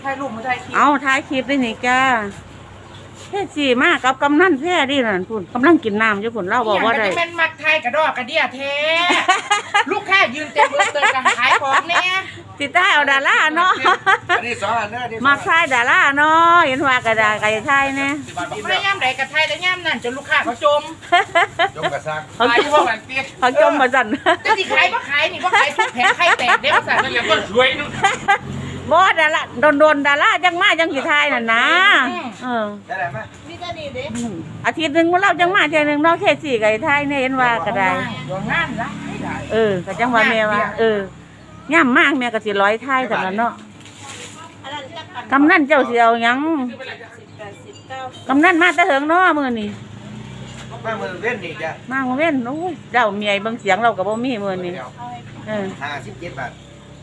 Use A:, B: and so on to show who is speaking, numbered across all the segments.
A: ถ่ายรูปมาถ่ายคลิป
B: เอาถ่ายคลิปได้นี่จ้าแค่สี่มากกับกำนันแพ้ดินั่นพุ่นกำลังกินน้ำอยู่พุ่นเล่าบอกว่าได้
A: แม่นมักไทยกระดอกกระเดียแท้ลูกค้ายืนเต็มมือเติมกันขายของเนี่ย
B: ติดใต้เอาดาราเนาะ
C: อันนี้2อันนะ
B: มักไทยดาราเนาะเห็นว่ากระดาษไก่ไทยเนี่ย
A: ไม่ย่ำไหนกระไทยแต่ย่ำนั่นจนลูกค้าเขาจม
C: กระซัง
A: ขายพวกนั้นเตี้ย
B: เขาจมมาสั่น
A: จะสิขายบ่ขายนี่บ่ขายทุกแผงไข่แตกเด็กสั่นนั่นแหละก็สวยนู่น
B: บ่ดาราโดนดาราจังมาจังกี่ไทยน่ะนะ
C: ได้ไหม
A: นี่ก็ดีเด้
B: อาทิตย์หนึ่งเราจังมาเท่านึงเราแค่สี่ไก่ไทยเนี่ยเห็นว่ากระดาษ
A: งานละ
B: ก็จังว่าแม่ว่าย่ำมากแม่ก็สิร้อยไทยสำหรับเนาะกำนันเจ้าเสียวยังกำนันมาตะเหิงเนาะมื้อนี้
C: มาเมืองเว้นนี่จ้ะ
B: มาเว้นโอ้ยเจ้าเมียเบิ่งเสียงเราก็บ่มีมื้อนี้
C: 57 บาท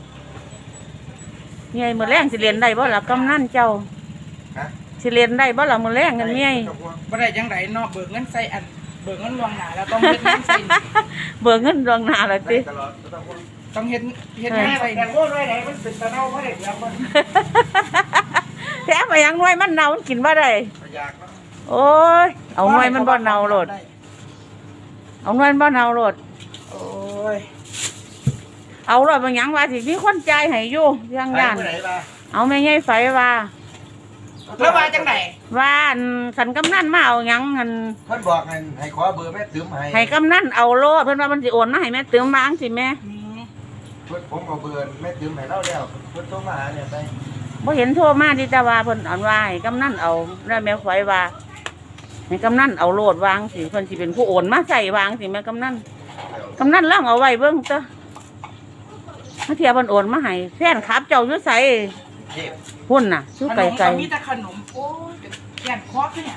B: เมียมื้อแรงสิเรียนได้บ่ล่ะกำนันเจ้าสิเรียนได้บ่ล่ะมื้อแรงกันเมีย
A: บ่ได้จังไดเนาะเบิกเงินใส่อันเบิกเงินล่วงหน้าแล้วต้องเฮ็ดงานใส่
B: เบิกเงินล่วงหน้าแล้วติ
A: ต้องเฮ็ดงานใส่แต่โง่ด้วยไหนมันเป็นตะเนาบ่ได้เดี๋ยวมัน
B: แท้มายังหน่วยมันเน่ามันกินบ่ได้โอ้ยเอาหน่วยมันบ่เน่าโลดเอาหน่วยมันบ่เน่าโลด
A: โอ้ย
B: เอาโลดบางหยังว่าสิมีคนจ่ายให้อยู่ยังย่านเอาแม่ใหญ่ไฟว่า
A: แล้วว่าจังได๋
B: ว่าสันกำนันมาเอาหยังเงิน
C: เพิ่นบอกให้ขอเบอร์แม่ตื้ม
B: ให้กำนันเอาโลดเพิ่นว่ามันสิโอนมาให้แม่ตื้มมาจังสิแม่
C: ผมเอาเบอร์แม่ตื้มให้เราแล้วเพิ่นโทรมาหาเนี่ยไป
B: บ่เห็นโทรมาที่ตาว่าเพิ่นอันว่าให้กำนันเอาแล้วแม่ไฟว่าให้กำนันเอาโลดวางสิเพิ่นสิเป็นผู้โอนมาใส่วางสิแม่กำนันลองเอาไว้เบิ่งเด้อถ้าเทียบเพิ่นโอนมาให้แฟนคลับเจ้าอยู่ไสพุ่นน่ะอยู่ไกล
A: ๆมีแต่ขนมโอ้ยแขนคอคือหยัง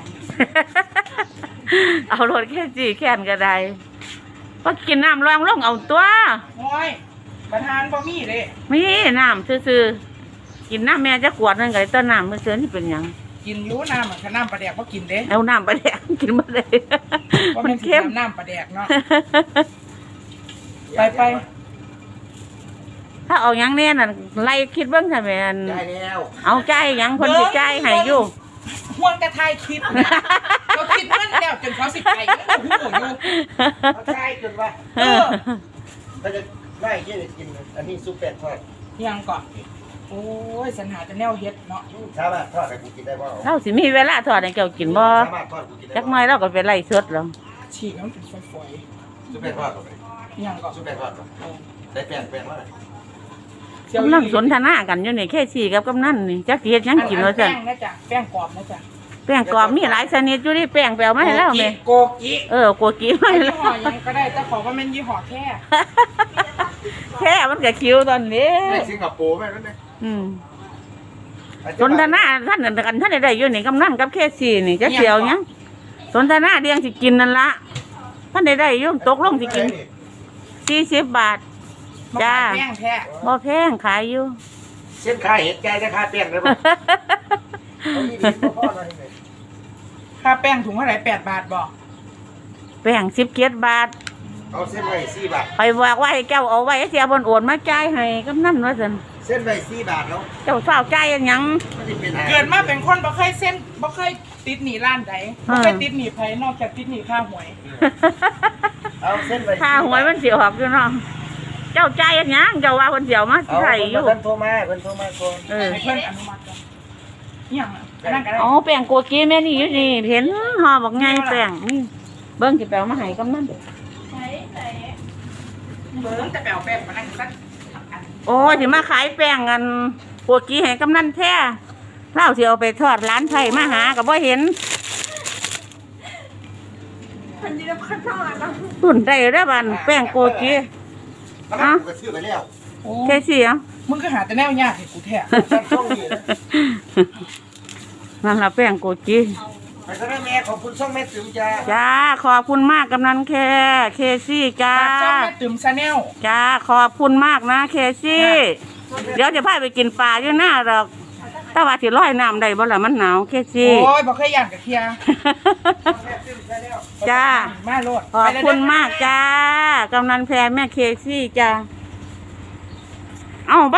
B: เอาโลดแค่จีแค่นก็ได้พอกินน้ำลองลงเอาตัว
A: โอ้ยประธานบ่มีเด้
B: มีน้ำซื่อๆกินน้ำแม่จะขวดนึงก็ได้ต้นน้ำมื้อเช้านี่เป็นหยัง
A: กินอยู่น้ำน้ำปลาแดกบ่กินเด้
B: เอาน้ำปลาแดกกินบ่ได้
A: มันเค็มน้ำปลาแดกเนาะไป
B: ถ้าเอาหยังแน่น่ะไล่คิดเบิ่งซั่นแม่นเอาใจหยังเพิ่นสิจ่ายให้อยู่
A: ห่วงแต่ทายคิดเขาคิดเงินแล้วจนเขาสิไปโอ้โหอยู่
C: เขาใช่จนว่าเขาจะได้แค่กินอันนี้ซุปเป็ดทอด
A: ยังก่อนโอ้ยสัญหาจะแนวเฮ็ดเนาะ
C: สามารถทอดให้กูกินได้บ่
B: เราสิมีเวลาทอดให้เจ้ากินบ่จักหน่อยเราก็ไปไล่สดแล้ว
A: ฉีกมันเป็นฝอย
C: ซุปเป็ดทอด
A: ยังก่อน
C: ซุปเป็ดทอดใส่แป้งว่า
B: กำลังสนทนากันอยู่นี่แค่สี่กับกำนันนี่จักสิเฮ็ดหยังกินว่าซั่น
A: แป้งนะจ๊ะแป้งกรอบนะจ๊ะ
B: แป้งกรอบมีหลายชนิดอยู่นี่แป้งแปลวมาให้แล้วแม่
A: โกกิ
B: โกกิมาให้แล้ว
A: ยี่ห้อยังก็ได้แต่ขอว่ามันยี่ห้อ
B: แค่มันก็คิวตอนนี้
C: สิงคโปร์แม่นั่นเอง
B: สนทนาท่านกันท่านได้อยู่นี่กำนันกับแค่สี่นี่จักเสียวหยังสนทนาเรียงสิกินนั่นละท่านได้อยู่ตกลงสิกิน40 บาทจ้าบ่แพงขายอยู่
C: เส้นขายเห็ดแกจะขายแป้งเลยบ่
A: ค่าแป้งถุงเท่าไหร่8 บาทบ่
B: แป้ง17 บาท
C: เอาเส้นไว้4 บาท
B: ไปบอกว่าให้เจ้าเอาไว้เสียบนโอนมาจ่ายให้กำนันว่าซั่น
C: เส้นไว้4 บาทแล้ว
B: เจ้าเฝ้าจ่ายหยัง
A: เกิดมาเป็นคนบ่เคยเส้นบ่เคยติดหนี้ร้านใดบ่เคยติดหนี้ไผนอกจากติดหนี้ค่าหวย
C: เอาเส้นไว้
B: ค่าหวยมันสิออกอยู่เนาะเจ้าใจอันยังเจ้าว่าคนเดียวมาใส่อยู่
C: เพิ่นโทรมาก่อน
A: ให้เพิ่นอนุมัติก่อนยังนั่นก็ได้
B: แป้งโกกีแม่นี่อยู่นี่เห็นห่อบอกไงแป้งนี่เบิ้งสิแปลมาให้กำนัน
A: เบิ้งแต่แปลแป้งมานั่งสัก
B: โอ้สิมาขายแป้งกันโกกีให้กำนันแท้เล่าสิเอาไปทอดร้านไผ่มาหากับบ่เห็นตุ่นได้ได้บันแป้งโกกีแค่สี่อ่ะ
A: มึงก็หาแต่แนวยากให้กูแท้
B: นั่นละแป้งโกจี
C: ไปซะแม่ขอบคุณช่องแม่ติ๋มจ้า
B: จ้าขอบคุณมากกำนันเคซี่จ้า
A: ช่องแม่ติ๋มชาแนล
B: จ้าขอบคุณมากนะเคซี่เดี๋ยวจะพาไปกินปลาอยู่หน้าหรอกถ้าว่าสิร้อยน้ำได้บ่ล่ะมันหนาวเคซี่
A: โอ้ยบ่เคยย่างกับเคีย
B: จ้า
A: มาโลด
B: ขอบคุณมากจ้ากำนันแพรแม่เคซี่จ้าเอ้า